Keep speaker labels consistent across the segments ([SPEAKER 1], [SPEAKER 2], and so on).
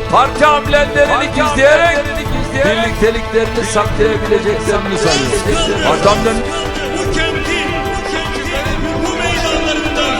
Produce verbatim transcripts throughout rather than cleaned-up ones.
[SPEAKER 1] parti amblemlerini gizleyerek birlikteliklerini saklayabileceklerini sanıyor. Adamların
[SPEAKER 2] bu kentin, bu köylülerin, bu meydanlarında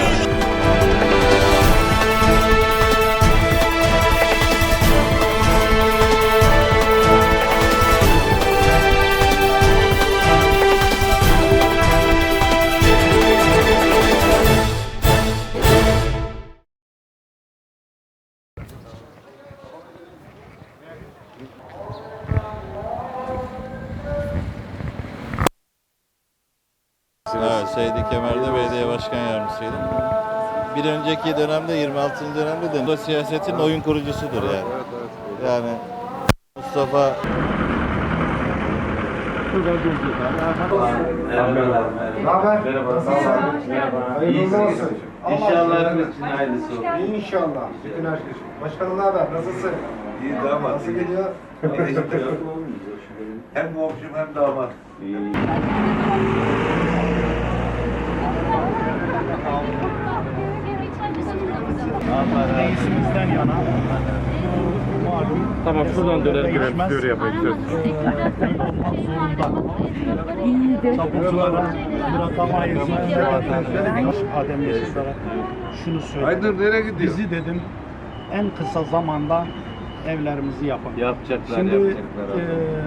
[SPEAKER 3] Evet, Seydi Kemer'de belediye başkan yardımcısıydım. Bir önceki dönemde, yirmi altıncı dönemde de bu da siyasetin oyun kurucusudur yani. Yani Mustafa
[SPEAKER 4] Merhaba. Merhaba. Hayırlı olsun.
[SPEAKER 5] İnşallah hepimiz için hayırlısı olur.
[SPEAKER 4] İnşallah. Bütün herkes. Başkanım ne haber? Nasılsın?
[SPEAKER 5] İyi damat.
[SPEAKER 4] Nasıl gidiyor?
[SPEAKER 5] Hem komşum hem damat.
[SPEAKER 6] Reisimizden yana
[SPEAKER 7] Tamam şuradan dönelim.
[SPEAKER 6] değişmez.
[SPEAKER 7] Böyle yapayım.
[SPEAKER 6] Tapuculara bırakamayız. Adem Yeşildar'a şunu söyledi.
[SPEAKER 5] Haydır nereye gidiyor?
[SPEAKER 6] Bizi dedim en kısa zamanda evlerimizi yapın.
[SPEAKER 5] Yapacaklar,
[SPEAKER 6] Şimdi
[SPEAKER 5] yapacaklar.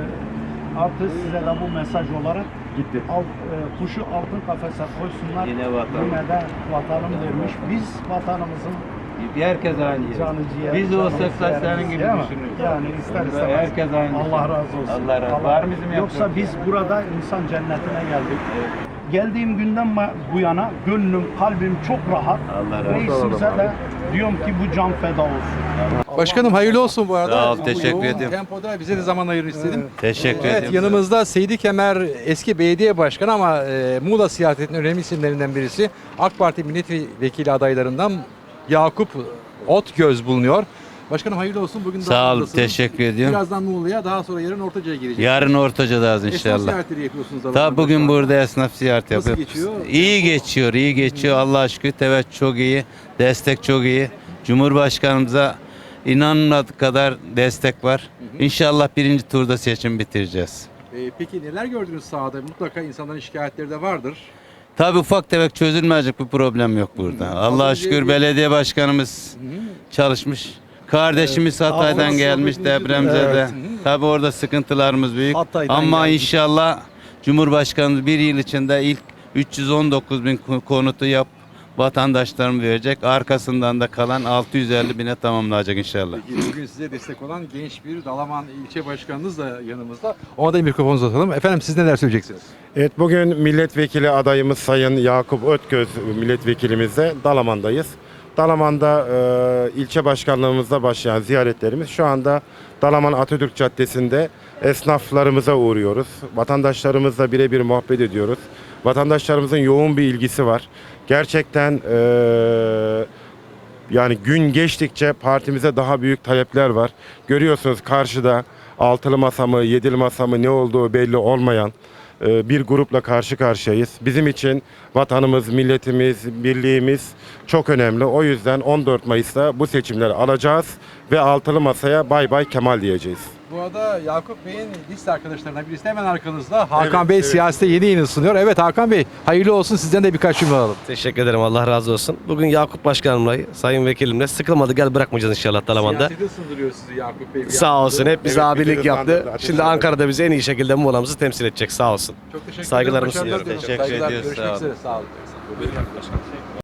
[SPEAKER 6] e, artık size de bu mesaj olarak gitti. Alt, e, kuşu altın kafese koysunlar.
[SPEAKER 5] Yine vatan.
[SPEAKER 6] Yine de vatanım demiş. Biz vatanımızın
[SPEAKER 5] Herkes aynı
[SPEAKER 6] canı ciğer.
[SPEAKER 5] Biz
[SPEAKER 6] canı
[SPEAKER 5] olsak da
[SPEAKER 6] ciğerimiz,
[SPEAKER 5] senin gibi
[SPEAKER 6] değil mi?
[SPEAKER 5] düşünürüz.
[SPEAKER 6] Yani ister istemez.
[SPEAKER 5] Herkes aynı.
[SPEAKER 6] Allah razı olsun.
[SPEAKER 5] Allah razı olsun. Var mı bizim
[SPEAKER 6] Yoksa
[SPEAKER 5] yapacağımız?
[SPEAKER 6] biz burada insan cennetine geldik. Geldiğim günden ma- bu yana gönlüm, kalbim çok rahat.
[SPEAKER 5] Allah razı olsun.
[SPEAKER 6] Reisimize de diyorum ki bu can feda olsun.
[SPEAKER 8] Başkanım hayırlı olsun bu arada.
[SPEAKER 3] Sağ ol,
[SPEAKER 8] Bu
[SPEAKER 3] teşekkür
[SPEAKER 8] yoğun
[SPEAKER 3] ediyorum.
[SPEAKER 8] Tempoda bize de zaman ayırın istedim.
[SPEAKER 3] teşekkür
[SPEAKER 8] Evet,
[SPEAKER 3] ederim.
[SPEAKER 8] yanımızda Seydi Kemer eski belediye başkanı ama e, Muğla siyasetinin önemli isimlerinden birisi. AK Parti milletvekili adaylarından Yakup Otgöz bulunuyor. Başkanım hayırlı olsun. Bugün
[SPEAKER 3] Sağ ol,
[SPEAKER 8] Dağlar'dasınız.
[SPEAKER 3] teşekkür ediyorum.
[SPEAKER 8] Birazdan Muğla'ya, daha sonra yarın Ortaca'ya gireceğiz.
[SPEAKER 3] Yarın Ortaca'dayız
[SPEAKER 8] Esnaf
[SPEAKER 3] inşallah.
[SPEAKER 8] ziyaretleri yapıyorsunuz.
[SPEAKER 3] Tabii
[SPEAKER 8] Dağlar'da
[SPEAKER 3] bugün
[SPEAKER 8] şu an.
[SPEAKER 3] burada esnaf ziyareti
[SPEAKER 8] Nasıl
[SPEAKER 3] yapıyoruz.
[SPEAKER 8] geçiyor?
[SPEAKER 3] İyi geçiyor, iyi geçiyor. Allah'a şükür teveccüh çok iyi, destek çok iyi. Cumhurbaşkanımıza inanmadık kadar destek var. İnşallah birinci turda seçim bitireceğiz.
[SPEAKER 8] E, peki neler gördünüz sahada? Mutlaka insanların şikayetleri de vardır.
[SPEAKER 3] Tabii ufak tefek çözülmeyecek bir problem yok burada. Allah'a
[SPEAKER 8] Az önce
[SPEAKER 3] şükür
[SPEAKER 8] bir-
[SPEAKER 3] belediye başkanımız çalışmış. Kardeşimiz Hatay'dan gelmiş depremzede. Tabii orada sıkıntılarımız büyük.
[SPEAKER 6] Hatay'dan
[SPEAKER 3] Ama
[SPEAKER 6] gelmiş.
[SPEAKER 3] inşallah Cumhurbaşkanımız bir yıl içinde ilk üç yüz on dokuz bin konutu yap vatandaşlarımız verecek. Arkasından da kalan altı yüz elli bine tamamlayacak inşallah.
[SPEAKER 8] Peki, bugün size destek olan genç bir Dalaman ilçe başkanınız da yanımızda. Ona da mikrofonu uzatalım. Efendim siz neler söyleyeceksiniz?
[SPEAKER 7] Evet, bugün milletvekili adayımız Sayın Yakup Ötgöz milletvekilimizle Dalaman'dayız. Dalaman'da e, ilçe başkanlığımızda başlayan ziyaretlerimiz şu anda Dalaman Atatürk Caddesi'nde esnaflarımıza uğruyoruz. Vatandaşlarımızla birebir muhabbet ediyoruz. Vatandaşlarımızın yoğun bir ilgisi var. Gerçekten e, yani gün geçtikçe partimize daha büyük talepler var. Görüyorsunuz karşıda altılı masa mı, yedili masa mı ne olduğu belli olmayan e, bir grupla karşı karşıyayız. Bizim için vatanımız, milletimiz, birliğimiz çok önemli. O yüzden on dört Mayıs'ta bu seçimleri alacağız ve altılı masaya bay bay Kemal diyeceğiz.
[SPEAKER 8] Bu arada Yakup Bey'in liste arkadaşlarından birisi de hemen arkanızda. Hakan
[SPEAKER 7] Evet,
[SPEAKER 8] Bey
[SPEAKER 7] evet.
[SPEAKER 8] siyasete yeni yeni ısınıyor. Evet Hakan Bey hayırlı olsun, sizden de birkaç cümle alalım.
[SPEAKER 9] Teşekkür ederim. Allah razı olsun. Bugün Yakup Başkanımla, Sayın Vekilimle sıkılmadı gel bırakmayacağız inşallah Dalaman'da.
[SPEAKER 8] Siyasete ısındırıyor sizi Yakup Bey. bir
[SPEAKER 9] Sağ
[SPEAKER 8] yandan.
[SPEAKER 9] olsun. Hep bize
[SPEAKER 7] Evet,
[SPEAKER 9] abilik
[SPEAKER 7] bizi
[SPEAKER 9] yaptı.
[SPEAKER 7] ıslandırdı. Ateş
[SPEAKER 9] Şimdi
[SPEAKER 7] ederim.
[SPEAKER 9] Ankara'da bize en iyi şekilde Muğla'mızı temsil edecek. Sağ olsun.
[SPEAKER 8] Çok teşekkür
[SPEAKER 9] Saygılarımı
[SPEAKER 8] ederim. Başarılar
[SPEAKER 9] sunuyorum.
[SPEAKER 8] diliyorum.
[SPEAKER 3] Teşekkür
[SPEAKER 8] Saygılar,
[SPEAKER 3] ediyoruz,
[SPEAKER 8] Görüşmek
[SPEAKER 3] sağ olun.
[SPEAKER 8] üzere. Sağ olun.